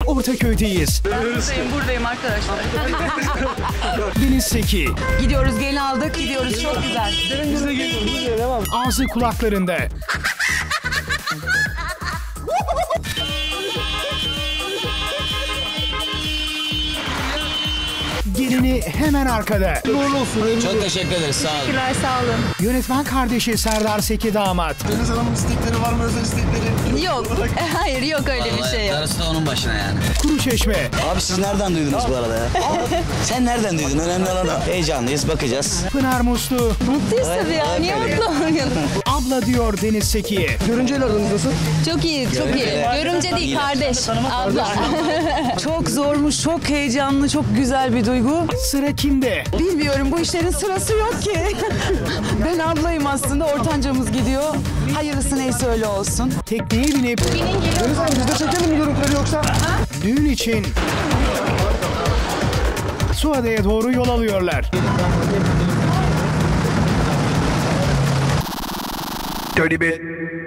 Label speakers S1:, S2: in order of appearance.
S1: Ortaköy'deyiz.
S2: Buradayım arkadaşlar.
S1: Deniz Seki.
S2: Gidiyoruz, gelin aldık, gidiyoruz. Çok güzel.
S3: Biz de geliyoruz.
S1: Ağzı kulaklarında. Gelini hemen arkada.
S4: Çok teşekkür ederiz. Sağ olun.
S2: Teşekkürler, sağ olun.
S1: Yönetmen kardeşi Serdar Seki damat.
S3: Deniz Hanım'ın istekleri var mı, özel istekleri?
S2: Yok, hayır yok öyle bir şey yok.
S4: Darısı da onun başına yani.
S1: Kuruçeşme.
S5: Abi siz nereden duydunuz bu arada ya? Sen nereden duydun? Önemli olan o. Heyecanlıyız, bakacağız.
S1: Pınar Muslu.
S2: Mutluyuz tabii ya, niye mutlu olmayalım?
S1: Abla diyor Deniz Seki'ye.
S3: Görünceyle aranız nasıl?
S2: Çok iyi, çok iyi. Görümce değil, kardeş, abla.
S6: Çok zormuş, çok heyecanlı, çok güzel bir duygu.
S1: Sıra kimde?
S6: Bilmiyorum, bu işlerin sırası yok ki. Ben ablayım aslında, ortancamız gidiyor. Hayırlısı neyse öyle olsun.
S1: Tekneye binip
S3: Deniz Hanım biz de çekelim mi görüntüleri yoksa?
S1: düğün için Suadiye'ye doğru yol alıyorlar.
S7: Dirty bit.